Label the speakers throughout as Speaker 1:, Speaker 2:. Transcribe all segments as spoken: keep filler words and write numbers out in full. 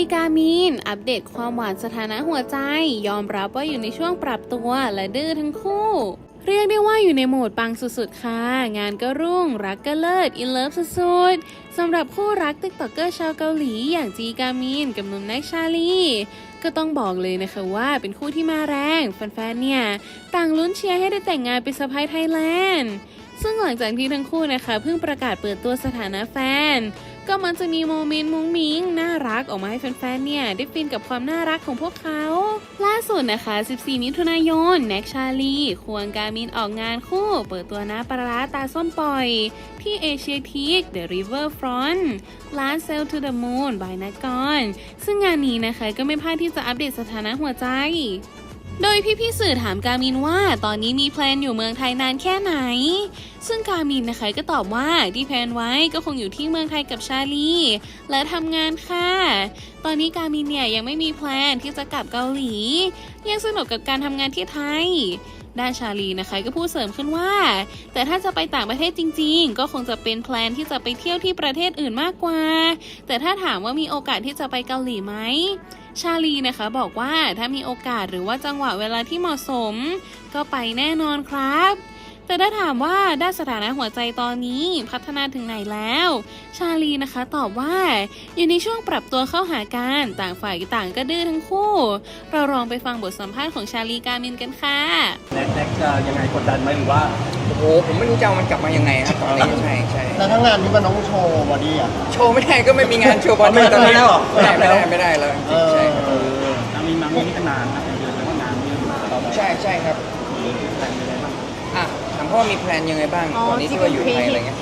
Speaker 1: กามินอัปเดตความหวานสถานะหัวใจยอมรับว่าอยู่ในช่วงปรับตัวและดื้อทั้งคู่เรียกได้ว่าอยู่ในโหมดปังสุดๆค่ะงานก็รุ่งรักก็เลิศอินเลิฟสุดๆสำหรับคู่รักติ๊กต็อกเกอร์ชาวเกาหลีอย่างจีกามินกับหนุ่มแน็กชาลีก็ต้องบอกเลยนะคะว่าเป็นคู่ที่มาแรงแฟนๆเนี่ยต่างลุ้นเชียร์ให้ได้แต่งงานเป็นสะใภ้ไทยแลนด์ซึ่งหลังจากที่ทั้งคู่นะคะเพิ่งประกาศเปิดตัวสถานะแฟนก็มันจะมีโมเมนต์มุ้งมิ้งน่ารักออกมาให้แฟนๆเนี่ยได้ฟินกับความน่ารักของพวกเขาล่าสุดนะคะสิบสี่มิถุนายนแน็กชาลีควงกามินออกงานคู่เปิดตัวน้ำปลาร้าตาส้มปล่อยที่เอเชียทีค The River Front ร้าน Sail to the Moon by นักกรซึ่งงานนี้นะคะก็ไม่พลาดที่จะอัปเดตสถานะหัวใจโดยพี่ๆสื่อถามกามินว่าตอนนี้มีแพลนอยู่เมืองไทยนานแค่ไหนซึ่งกามินนะคะก็ตอบว่าที่แพลนไว้ก็คงอยู่ที่เมืองไทยกับชาลีและทำงานค่ะตอนนี้กามินเนี่ยยังไม่มีแพลนที่จะกลับเกาหลียังสนุกกับการทำงานที่ไทยด้านชาลีนะคะก็พูดเสริมขึ้นว่าแต่ถ้าจะไปต่างประเทศจริงๆก็คงจะเป็นแพลนที่จะไปเที่ยวที่ประเทศอื่นมากกว่าแต่ถ้าถามว่ามีโอกาสที่จะไปเกาหลีไหมชาลีนะคะบอกว่าถ้ามีโอกาสหรือว่าจังหวะเวลาที่เหมาะสมก็ไปแน่นอนครับแต่ถ้าถามว่าด้านสถานะหัวใจตอนนี้พัฒนาถึงไหนแล้วชาลีนะคะตอบว่าอยู่ในช่วงปรับตัวเข้าหากันต่างฝ่ายต่างก็ดื้อทั้งคู่เราลองไปฟังบทสัมภาษณ์ของชาลีกามินกันค่ะ
Speaker 2: แน็กแน็กจะยังไงกดดันไหมหรือว่า
Speaker 3: โอ้โหผมไม่รู้จะเอามันกลับมายังไงครับตอนนี้ใช่ใช่
Speaker 4: แล้วทั้งงานนี้มันต้องโชว์บอดี้อ่ะ
Speaker 3: โชว์ไม่ได้ก็ไม่มีงานโชว์บอดี้ตอนนี้ไม่ได้ไม่ได้แล้วใช่ครับ
Speaker 2: มีมามีกันนานนะเดือนแล้วก็งานเยอะเรา
Speaker 3: ใช่ใช่ครับอ่ะถามพ่อมีแพลนยังไงบ้างตอนนี้ที่ว่าอยู่ไทยอะไรเงี้ย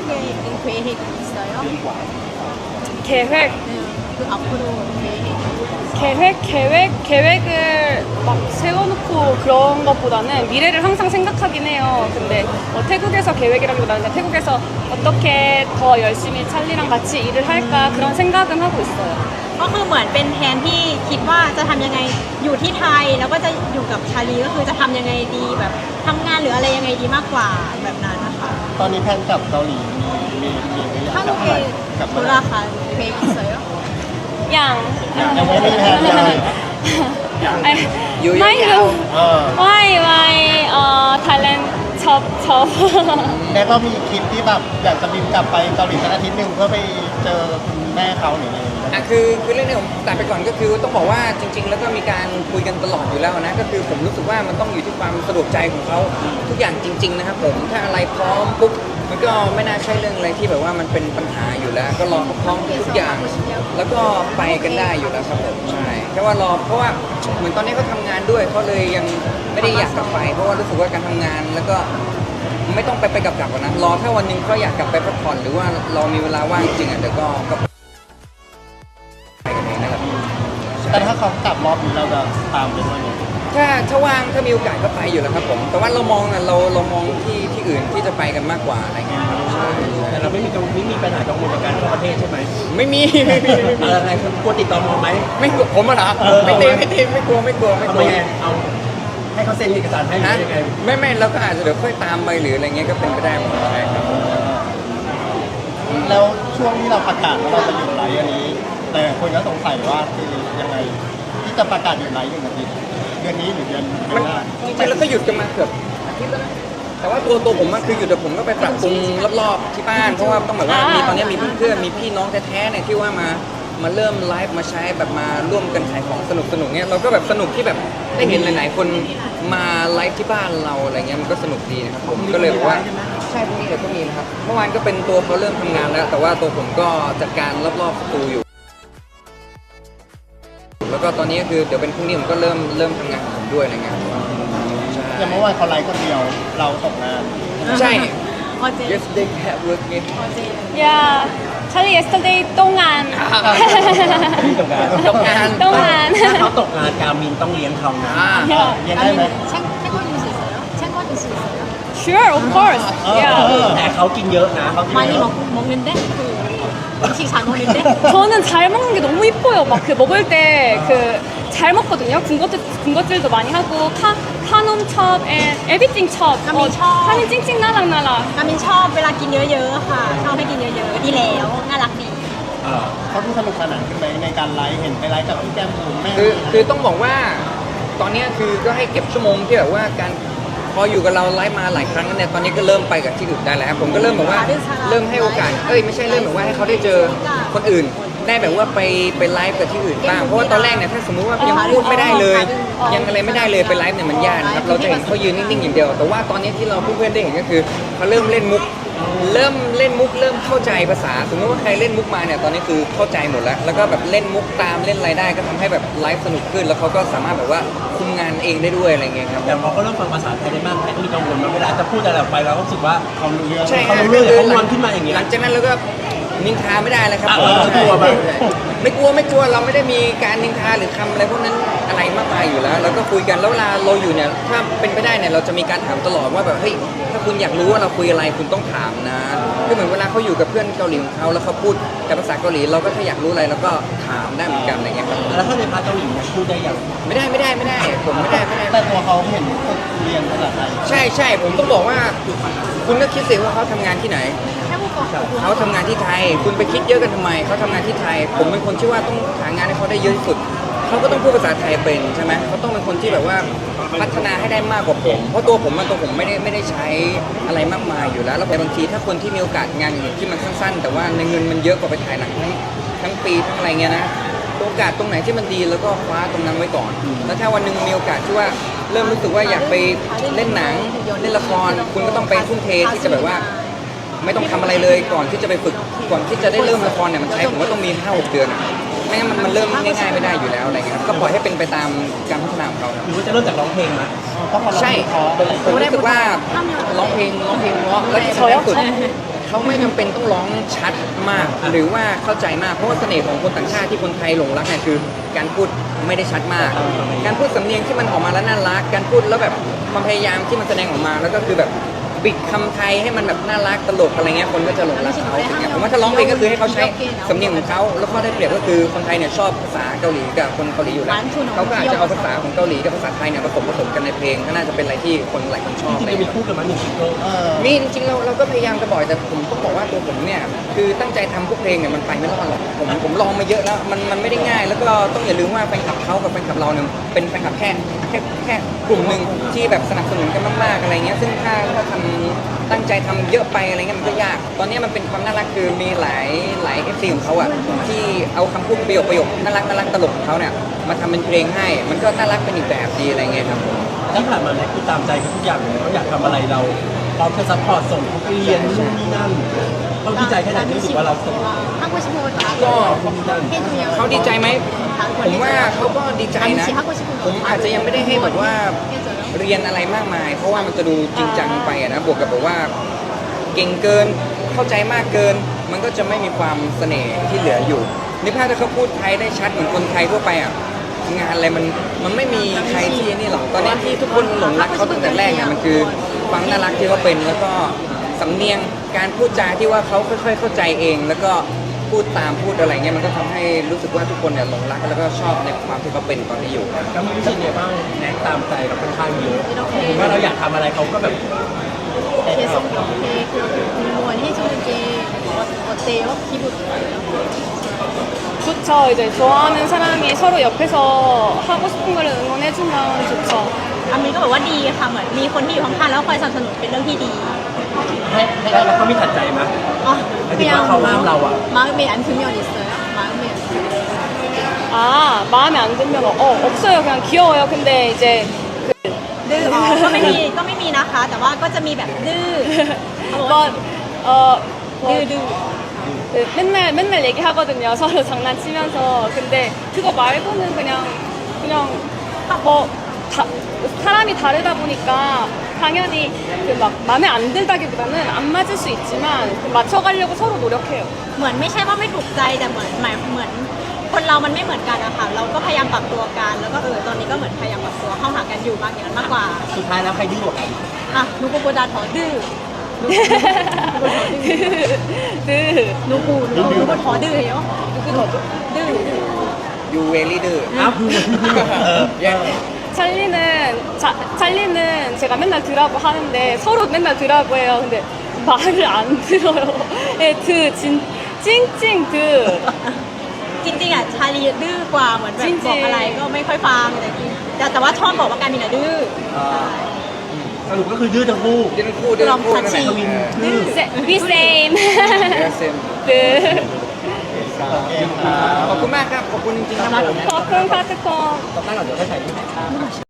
Speaker 5: 계획계획계획을막세워놓고그런것보다는미래를항상생각하긴해요근데어태국에서계획이라기보다는태국에서어떻게더열심히찰리랑같이일을할까 그런 생각은하고있어요ก็คือเหมือนเป็นแผนที่คิดว่าจะทำยังไงอยู่ที่ไทยแล้วก็จะอยู่กับชาลีก็คือจะทำยังไงดีแบบทำงานหรืออะไรยังไงดีมากกว่าแบบนั้นนะคะ
Speaker 4: ตอนนี้แพนกับเกาหลีมีมีมีหรือยัง
Speaker 3: อยู่อยู่ยาวๆอย่างอ่ะคือคือเรื่องนี้ผมตัดไปก่อนก็คือต้องบอกว่าจริงๆแล้วก็มีการคุยกันตลอดอยู่แล้วนะก็คือผมรู้สึกว่ามันต้องอยู่ที่ความสะดวกใจของเขาทุกอย่างจริงๆนะครับผมถ้าอะไรพร้อมปุ๊บมันก็ไม่น่าใช่เรื่องอะไรที่แบบว่ามันเป็นปัญหาอยู่แล้วก็รอพร้อมทุกอย่างแล้วก็ไปกันได้อยู่แล้วครับผมใช่แค่ว่ารอเพราะว่าเหมือนตอนนี้เขาทำงานด้วยเขาเลยยังไม่ได้อยากกลับไปเพราะว่ารู้สึกว่าการทำงานแล้วก็ไม่ต้องไปไปกลับๆกันนะรอถ้าวันนึงเขาอยากกลับไปพักผ่อนหรือว่าเรามีเวลาว่างจริงอ่ะเดี๋ยวก็
Speaker 4: แต่ถ้าเขากลับรอบนี้เราจะตามไปด้วยไหม
Speaker 3: ถ้าถ้าว่างถ้ามีโอกาสก็ไปอยู่แล้วครับผมแต่ว่าเรามองอ่ะเราเรามองที่ที่อื่นที่จะไปกันมากกว่าอะไรเงี้ยครับใช่
Speaker 2: แต่เราไม่มีกังไม่มีปัญหากังวลกับการเข้าประเทศใช่ไหม
Speaker 3: ไม่มีไม่มีไม่มี
Speaker 2: อะไรกลัวติดต่อมอไหม
Speaker 3: ไม่กลัวผมอ่ะนะไม่ตีไม่ตีไม่กลัวไม่กลัวไม่กลัว
Speaker 2: เอาให้เขาเซ็นเอกสารให้หรือยังไง
Speaker 3: ไม่ไม่เราก็อาจจะเดี๋ยวค่อยตามไปหรืออะไรเงี้ยก็เป็นไปได้หมดเลยครับ
Speaker 4: แล้วช่วงที่เราประกาศว่าเราจะหยุดไลฟ์อันนี้แต่คนก็สงสัยว่าคือยังไงที่จะประกาศหยุดไลฟ์อย่างไรเดือนนี้หรือเดือน
Speaker 3: มันจริงๆแล้วก็หยุดกันมาเกือบอาทิตย์แล้วนะแต่ว่าตัวตัวผมคือหยุดแต่ผมก็ไปปรับปรุงรอบๆที่บ้านเพราะว่าต้องแบบว่ามีตอนนี้มีเพื่อนๆมีพี่น้องแท้ๆเนี่ยที่ว่ามามาเริ่มไลฟ์มาใช้แบบมาร่วมกันขายของสนุกสนุกเนี้ยเราก็แบบสนุกที่แบบได้เห็นหลายๆคนมาไลฟ์ที่บ้านเราอะไรเงี้ยมันก็สนุกดีนะครับผมก็เลยบอกว่าใช่พรุ่งนี้เดี๋ยวก็มีนะครับเมื่อวานก็เป็นตัวเขาเริ่มทำงานแล้วแต่ว่าตัวผมก็จัดการรอบๆประตูอยู่แล้วก็ตอนนี้ก็คือเดี๋ยวเป็นพรุ่งนี้ผมก็เริ่มเริ่มทำงานของผมด้วยอะไรเงี้ย
Speaker 4: อย่างเมื่อวานเขาไลฟ์คนเดียวเราตกงาน
Speaker 3: ใช่ yesterday have work เนี่ย
Speaker 5: yeah Charlie yesterday ตกงาน
Speaker 2: ตกงาน
Speaker 3: ตกงาน
Speaker 5: ตกงาน
Speaker 2: ถ้าเขาตกงานกามินต้องเลี้ยงเขานะ
Speaker 4: เลี้ยงได้ไหม
Speaker 5: Sure of course yeah
Speaker 2: แต่เขากินเยอะนะเขากินเยอะ
Speaker 5: 먹는데 음식 잘 먹는데 저는 잘 먹는 게 너무 이뻐요. 막 그 먹을 때 그 잘 먹거든요. 군것질 군것질도 많이 하고 카 카놈 첩 and everything 첩. 가민 첩. 가민 찡찡 나락나락. 가민 첩 เวลากินเยอะๆค่ะชอบให้กินเยอะๆดีแล้วน่ารักดี
Speaker 4: เขาเขาดูสนุกสนานขึ้นไหมในการไลฟ์เห็นไปไลฟ์กับพี่แก้มบุ๋มแม่
Speaker 3: คือคือต้องบอกว่าตอนเนี้ยคือก็ให้เก็บชั่วโมงที่แบบว่าการพออยู่กับเราไลฟ์มาหลายครั้งแล้วเนี่ยตอนนี้ก็เริ่มไปกับที่อื่นได้แล้วผมก็เริ่มแบบว่าเริ่มให้โอกาสเอ้ยไม่ใช่เริ่มแบบว่าให้เขาได้เจอคนอื่น ได้แบบว่าไปไปไลฟ์กับที่อื่นบ้างเพราะว่าตอนแรกเนี่ยถ้าสมมุติว่ายังพูดไม่ได้เลย ยังอะไรไม่ได้เลยไปไลฟ์เนี่ยมันยากนะครับเราจะเห็นเขายืนนิ่งๆอย่างเดียว แต่ว่าตอนนี้ที่เราเพื่อนๆได้เห็นก็คือเขาเริ่มเล่นมุก เริ่มเล่นมุกเริ่มเข้าใจภาษาสมมติว่าใครเล่นมุกมาเนี่ยตอนนี้คือเข้าใจหมดแล้วแล้วก็แบบเล่นมุกตามเล่นอะไรได้ก็ทำให้แบบไลฟ์สนุกขึ้น แล้วเขาก็สามารถแบบว่าคุมงานเองได้ด้วยอะไรเงี้ยครับ
Speaker 2: อย่างพอเขาเริ่มฟังภาษาไทยได้มากขึ้นมีกังวลมาเวลาจะพูดอะไรออกไปเราก็รู้สึกว่า
Speaker 4: เขารู้เรื่อง
Speaker 3: ใช่
Speaker 2: เขา
Speaker 3: ฮะ
Speaker 2: รู้เรื่องเขางอนขึ้นมาอย่างเงี้ย
Speaker 3: หลังจากนั้นเราก็นินทาไม่ได้เลยครับ
Speaker 2: อ่ะ
Speaker 3: ผม
Speaker 2: เออกลัวไหม
Speaker 3: ไม่กลัวไม่กลัวเราไม่ได้มีการนินทาหรือคำอะไรพวกนั้นอะไรมากมายอยู่แล้วเราก็คุยกันแล้วเวลาเราอยู่เนี่ยถ้าเป็นไปได้เนี่ยเราจะมีการถามตลอดว่าแบบเฮ้ยถ้าคุณอยากรู้ว่าเราคุยอะไรคุณต้องถามนะคือเหมือนเวลาเขาอยู่กับเพื่อนเกาหลีของเขาแล้วเขาพูดแต่ภาษาเกาหลีเราก็ถ้าอยากรู้อะไรเราก็ถามได้เหมือนกันอะไรเงี้ยครับ
Speaker 2: แล้วถ้าในพาร์ทเกาหลีเนี่ยพูดได้อย่าง
Speaker 3: ไม่ได้ไม่ได้ไม่ได้ผมไม่ได้ไม่ได้
Speaker 4: แต่ตัวเขาเห็นฝึกเรียนภาษาไทย
Speaker 3: ใช่ใช่ผมต้องบอกว่า คุณก็คิดสิว่าเขาทำงานที่ไหน เขาทำงานที่ไทย คุณไปคิดเยอะกันทำไม เขาทำงานที่ไทย ผมเป็นคนที่ว่าต้องหางานให้เขาได้เยอะที่สุด เขาก็ต้องพูดภาษาไทยเป็นใช่ไหมเขาต้องเป็นคนที่แบบว่าพัฒนาให้ได้มากกว่าผม เพราะตัวผมมันตัวผมไม่ได้ไม่ได้ใช้อะไรมากมายอยู่แล้ว แล้วแต่บางทีถ้าคนที่มีโอกาสงานอย่างที่มันสั้นๆ แต่ว่าในเงินมันเยอะกว่าไปถ่ายหนังทั้งทั้งปีทั้งอะไรเงี้ยนะ โอกาสตรงไหนที่มันดีแล้วก็คว้าตรงนั้นไว้ก่อน แล้วถ้าวันหนึ่งมีโอกาสที่ว่าเริ่มรู้สึกว่าอยากไปเล่นหนังเล่นละคร คุณก็ต้องไปทุ่มเทที่จะแบบว่า ไม่ต้องทำอะไรเลยก่อนที่จะไปฝึกก่อนที่จะได้เริ่มละครเนี่ยมันใช้ผมว่าต้องมีห้าหกเดือนอะไม่งั้นมันมันเริ่มง่ายๆไม่ได้อยู่แล้วอะไรเงี้ยครับก็ปล่อยให้เป็นไปตามการพัฒนาของเขาครับ
Speaker 2: หรือว่าจะเริ่มจากร้องเพลงนะ
Speaker 4: เพราะเขา
Speaker 3: ใช่ผมรู้สึกว่าร้องเพลงร้องเพลงเพราะแล้วที่สำคัญสุดเขาไม่จำเป็นต้องร้องชัดมาก หรือว่าเข้าใจมากเพราะว่าเสน่ห์ของคนต่างชาติที่คนไทยหลงรักเนี่ยคือการพูดไม่ได้ชัดมาก การพูดสำเนียงที่มันออกมาแล้วน่ารักการพูดแล้วแบบความพยายามที่มันแสดงออกมาแล้วก็คือแบบบิดคำไทยให้มันแบบน่ารักตลกอะไรเงี้ยคนก็จะหลงรักเขาอย่างเงี้ยผมว่าถ้าร้องเพลงก็คือให้เขาใช้สำเนียงของเขาแล้วข้อได้เปรียบก็คือคนไทยเนี่ยชอบภาษาเกาหลีกับคนเกาหลีอยู่แล้วเขาก็อาจจะเอาภาษาของเกาหลีกับภาษาไทยเนี่ยผสมผสมกันในเพลงก็น่าจะเป็นอะไรที่คนหลายคนชอบ
Speaker 2: จริง
Speaker 3: อะไร
Speaker 2: ๆมี
Speaker 3: เงี้ย
Speaker 2: คู่กันมาหนึ่งซิงเกิล
Speaker 4: เออ
Speaker 3: มีจริงๆเราเราก็พยายามจะบ่อยแต่ผมต้องบอกว่าตัวผมเนี่ยคือตั้งใจทำพวกเพลงเนี่ยมันไปไม่รอดหรอกผมผมลองมาเยอะแล้วมันมันไม่ได้ง่าย แล้วก็ต้องอย่าลืมว่าแฟนคลับเขากับแฟนคลับเราเนี่ยเป็นแฟนคลับแค่แค่แค่กลุ่มหนึ่งที่แบบสนับสนุนกันมากๆอะไรเงี้ยซึ่งถ้าถ้าทำตั้งใจทำเยอะไปอะไรเงี้ยมันก็ยาก ตอนนี้มันเป็นความน่ารักคือมีหลายหลายเอฟซีของเขาอ่ะที่เอาคำพูดประโยคประโยคน่ารักน่ารักตลกของเขาเนี่ยมาทำเป็นเพลงให้ มันก็น่ารักเป็นอีกแบบดีอะไรเงี้ยครับ
Speaker 2: ที่ผ่านมาเนี่ยคือตามใจเขาทุกอย่างเลยเขาอยากทำอะไรเราพร้อมจะซัพพอร์ตส่งเขาไปเรียนนู่นนี่นั่นเขาดีใจแค่ไหนที่รู้สึกว่าเราส่ง
Speaker 6: 하고 싶은 걸 다
Speaker 3: ก็
Speaker 6: 해주면
Speaker 3: เขาดีใจไหมผมว่าเขาก็ดีใจนะ ผมอาจจะยังไม่ได้ให้แบบว่า
Speaker 6: 해줘요.
Speaker 3: เรียนอะไรมากมาย เพราะว่ามันจะดูจริงจังไปอะนะบวกกับแบบว่าเก่งเกินเข้าใจมากเกิน มันก็จะไม่มีความเสน่ห์ที่เหลืออยู่นี่ถ้าเขาพูดไทยได้ชัดเหมือนคนไทยทั่วไปอ่ะงานอะไรมันมันไม่มีใครที่นี่หรอกตอนนี้ที่ทุกคนหลงรักเขาตั้งแต่แรกเนี่ยมันคือความน่ารักที่เขาเป็นแล้วก็สำเนียงการพูดจาที่ว่าเขาค่อย ๆ เข้าใจเอง แล้วก็พูดตามพูดอะไรเงี้ยมันก็ทำให้รู้สึกว่าทุกคนเนี่ยหลงรักแล้วก็ชอบในความที่เขาเป็นตอนนี้อยู่
Speaker 2: ก็มีวิธีเนี่ยบ้างแนะตามใจเราค่อนข้างเยอะผมว่าเราอยากทำอะไรเขาก็แบบ
Speaker 6: 계속 이렇게 그렇게 응원해주는 게 어- 어때요? 기분
Speaker 5: 좋죠. 이제 좋아하는 사람이 서로 옆에서 하고 싶은 걸 응원해주면 좋죠.
Speaker 6: อามินก็บอกว่าดีค่ะเหมือนมีคนที่อยู่ข้างๆแล้วคอยสนับสนุนเป็นเรื่องที่ดี
Speaker 2: ให้ให้แล้วเขามีถัดใจไหม
Speaker 6: อ๋อ
Speaker 2: หมายถึงว่าเขาห้ามเราอ่ะ
Speaker 6: 마음에 안 들면 있어요? 마음에 안 들면
Speaker 5: 아, 마음에 안 들면 어, 없어요. 그냥 귀여워요. 근데 이제
Speaker 6: ดื้ออ๋อก็ไม่มีก็ไม่มีนะคะ แต่ว่าก็จะมีแบบดื้อเขาบอกว่า
Speaker 5: 뭐, 어,
Speaker 6: ดื้อ
Speaker 5: 뭐,
Speaker 6: ดื้อ
Speaker 5: 그 맨날 맨날 얘기하거든요. 서로 장난치면서. 근데 그거 말고는 그냥 그냥 뭐 다, 사람이 다르다 보니까 당연히 그 막 마음에 안 들다기보다는 안 맞을 수 있지만 그 맞춰가려고 서로 노력해요.
Speaker 6: เหมือนไม่ใช่ว่าไม่ถูกใจแต่เหมือนหมายเหมือนคนเรามันไม่เหมือนกันอะค่ะเราก็พยายามปรับตัวกันแล้วก็เออตอนนี้ก็เหมือนพยายามปรับตัวเข้าหากันอยู่มากอย่างนั้นมากกว่า
Speaker 2: สุดท้ายแล้วใครดื้อกว่ากัน
Speaker 6: อ่ะนุกูโบดาถอดื้อ
Speaker 5: 드.
Speaker 6: นุกูนุกูนุกูถอดื้อเหรอนุกูถอดื้อดื้อ
Speaker 3: ยูเวลี่ดื้อ
Speaker 2: อ้าวเออ
Speaker 3: แย่
Speaker 5: 찰리는 자, 찰리는 제가 맨날 드라고 하는데 서로 맨날 드라고 해요. 근데 말을 안 들어요. 예, 드, 진, 찡찡 드.
Speaker 6: จริงๆอ่ะชาลีดื้อกว่าเหมือนแบบ
Speaker 5: จริงๆ
Speaker 6: บอกอะไรก็ไม่ค่อยฟังแต่จริงแต่แต่ว่าชอบบอกว่าการมินอะดื้อ
Speaker 2: อ่าสรุปก็คือดื้อทั้งคู่
Speaker 3: เดินคู่เดินคู่นั่นแหละ
Speaker 6: ลองทัชชิ่ง
Speaker 3: เออ
Speaker 5: We same.
Speaker 3: เออเซม
Speaker 5: 네.
Speaker 4: โอเคครับ
Speaker 3: ขอบคุณมากครับ ขอบคุณจริงๆครับผม
Speaker 5: ขอบคุณค่ะทุกคน
Speaker 2: ต้องตั้งก่อนเดี๋ยวให้ถ่ายรูป